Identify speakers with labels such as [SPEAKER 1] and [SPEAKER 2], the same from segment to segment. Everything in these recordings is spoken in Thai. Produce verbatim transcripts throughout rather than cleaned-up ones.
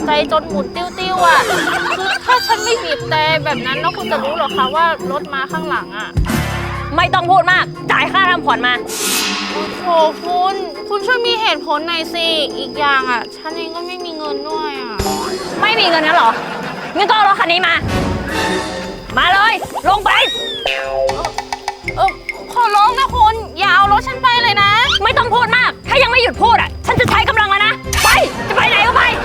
[SPEAKER 1] ใจจนหมุนติ้วๆอ่ะคือถ้าฉันไม่บีบแต่แบบนั้นแล้วคุณจะรู้หรอคะว่ารถมาข้างหลังอ่ะ
[SPEAKER 2] ไม่ต้องพูดมากจ่ายค่าทำผ่อนมา
[SPEAKER 1] โอ้โหคุณคุณช่วยมีเหตุผลหน่อยสิอีกอย่างอ่ะฉันเองก็ไม่มีเงินด้วยอ่ะ
[SPEAKER 2] ไม่มีเงินงั้นเหรองั้นก็เอารถคันนี้มามาเลยลงไป
[SPEAKER 1] เออขอร้องนะคุณอย่าเอารถฉันไปเลยนะ
[SPEAKER 2] ไม่ต้องพูดมากถ้ายังไม่หยุดพูดอ่ะฉันจะใช้กำลังแล้วนะไปจะไปไหนก็ไป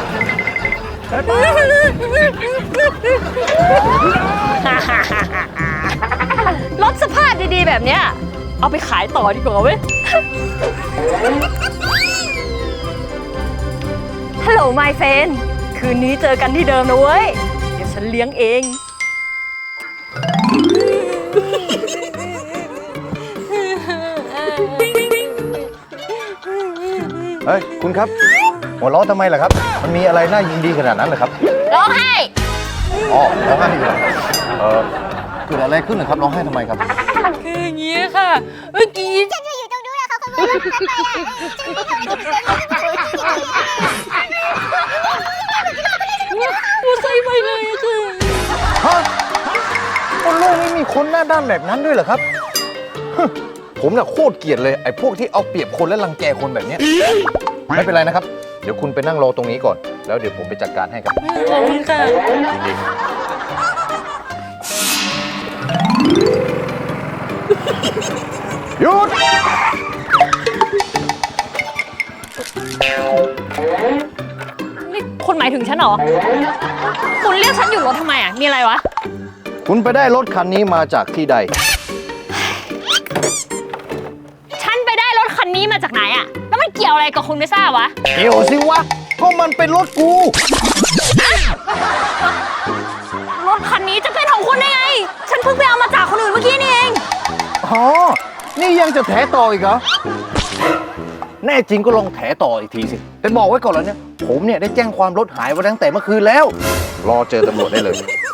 [SPEAKER 2] รถสภาพดีๆแบบเนี้ยเอาไปขายต่อดีกว่าเว้ยฮัลโหลไมเฟนคืนนี้เจอกันที่เดิมนะเว้ยเดี๋ยวฉันเลี้ยงเอง
[SPEAKER 3] เฮ้ยคุณครับหัวเราะทำไมล่ะครับมันมีอะไรน่ายินดีขนาดนั้นเหรอครับ
[SPEAKER 1] ร้องไห้
[SPEAKER 3] อ๋อร้องไห้อยู่เหรอเออเกิดอะไรขึ้นเหรอครับร้องไห้ทำไมครับ
[SPEAKER 2] คืออย่างนี้ค่ะเมื่อกี้
[SPEAKER 4] ฉันจะอยู่ตรงนู้นแล้วเขาขโมยรถฉันไปอ่ะ
[SPEAKER 2] กูใส่ไปเลยคือ
[SPEAKER 3] ฮะบนโลกนี้มีคนหน้าด้านแบบนั้นด้วยเหรอครับผมน่ะโคตรเกลียดเลยไอ้พวกที่เอาเปรียบคนและรังแกคนแบบนี้ไม่เป็นไรนะครับเดี๋ยวคุณไปนั่งรอตรงนี้ก่อนแล้วเดี๋ยวผมไปจัดการให้ครับ
[SPEAKER 2] ขอบคุณค่ะ
[SPEAKER 3] ยินดีหยุด
[SPEAKER 2] นี่คุณหมายถึงฉันเหรอคุณเรียกฉันอยู่รถทำไมอ่ะมีอะไรวะ
[SPEAKER 3] คุณไปได้รถคันนี้มาจากที่ใด
[SPEAKER 2] ฉันไปได้รถคันนี้มาจากไหนอ่ะแล้วมันเกี่ยวอะไรกับคุณไม่ทราบวะ
[SPEAKER 3] เกี่ยวสิวะก็มันเป็นรถกู
[SPEAKER 2] รถคันนี้จะเป็นของคุณได้ไงฉันเพิ่งไปเอามาจากคนอื่นเมื่อกี้นี่เอง
[SPEAKER 3] อ๋อนี่ยังจะแถต่ออีกเหรอแน่จริงก็ลองแถต่ออีกทีสิแต่บอกไว้ก่อนแล้วเนี่ยผมเนี่ยได้แจ้งความรถหายไว้ตั้งแต่เมื่อคืนแล้วรอเจอตำรวจได้เลย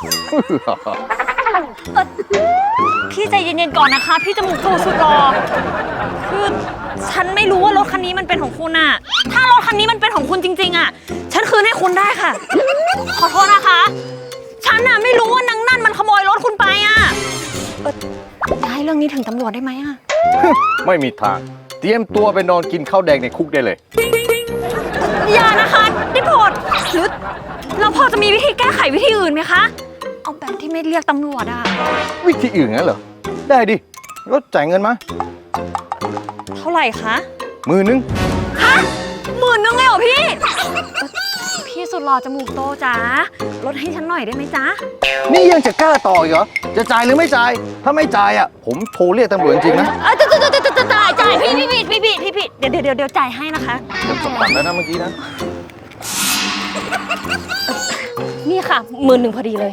[SPEAKER 2] พี่ใจเย็นๆก่อนนะคะพี่จมูกโตสุดรอคือฉันไม่รู้ว่ารถคันนี้มันเป็นของคุณอะถ้ารถคันนี้มันเป็นของคุณจริงๆอะฉันคืนให้คุณได้ค่ะขอโทษนะคะฉันอะไม่รู้ว่านางนั่นมันขโมยรถคุณไปอะเออจะให้เรื่องนี้ถึงตำรวจได้ไหมอะ
[SPEAKER 3] ไม่มีทางเตรียมตัวไปนอนกินข้าวแดงในคุกได้เลย
[SPEAKER 2] อย่านะคะได้โปรดหรือเราพอจะมีวิธีแก้ไขวิธีอื่นไหมคะเอาแบบที่ไม่เรียกตำรวจอะ
[SPEAKER 3] วิธีอื่นงั้นเหรอได้ดิก็จ่ายเงินมา
[SPEAKER 2] เท่าไหร่คะ
[SPEAKER 3] หมื่นนึง
[SPEAKER 2] ฮะหมื่นนึงเลยเหรอพี่พี่สุดหล่อจมูกโตจ๋าลดให้ฉันหน่อยได้ไหมจ๊ะ
[SPEAKER 3] นี่ยังจะกล้าต่ออีกเหรอจะจ่ายหรือไม่จ่ายถ้าไม่จ่ายอ่ะผมโทรเรียกตำรวจจริงๆนะ
[SPEAKER 2] เออจ่ายจ่ายจ่ายจ่ายจ่ายพี่พี่พี่พี่พี่พี่เดี๋ยวเดี๋ยวเดี๋ยวจ่ายให้นะคะ
[SPEAKER 3] เดี๋ยวจบตัดแล้วนะเมื่อกี้นะ
[SPEAKER 2] นี่ค่ะหมื่นหนึ่งพอดีเลย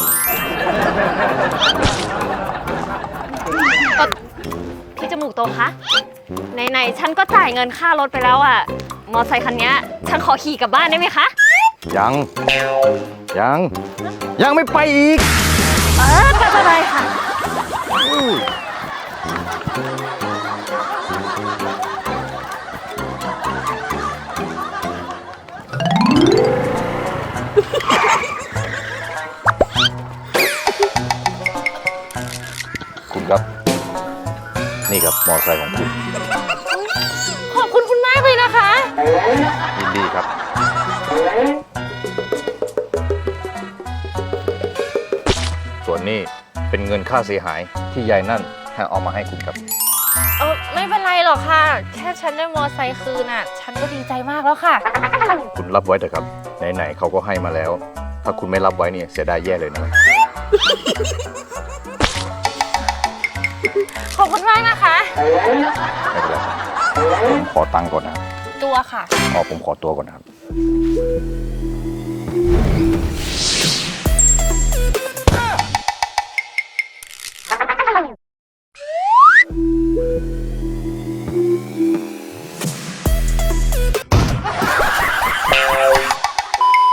[SPEAKER 2] พี่จมูกโตคะไหนๆฉันก็จ่ายเงินค่ารถไปแล้วอ่ะมอเตอร์ไซค์คันนี้ฉันขอขี่กลับบ้านได้ไหมคะ
[SPEAKER 3] ยังยังยังไม่ไปอีก
[SPEAKER 2] เออไปไปค่ะ
[SPEAKER 3] คุณครับนี่ครับมอเตอร์ไซค์ของคุณ
[SPEAKER 1] ขอบคุณคุณมากเลยนะคะ
[SPEAKER 3] ยินดีครับส่วนนี้เป็นเงินค่าเสียหายที่ยายนั่นให้เอามาให้คุณครับ
[SPEAKER 1] เออไม่เป็นไรหรอกค่ะแค่ฉันได้มอไซค์คืนอ่ะฉันก็ดีใจมากแล้วค่ะ
[SPEAKER 3] คุณรับไว้เถอะครับไหนๆเขาก็ให้มาแล้วถ้าคุณไม่รับไว้เนี่ยเสียดายแย่เลยนะ
[SPEAKER 1] ขอบคุณมากนะคะ
[SPEAKER 3] ไม่เป็นไรผมขอตังค์ก่อนนะครับ
[SPEAKER 1] ตัวค่ะ
[SPEAKER 3] อ๋อผมขอตัวก่อนนะครับ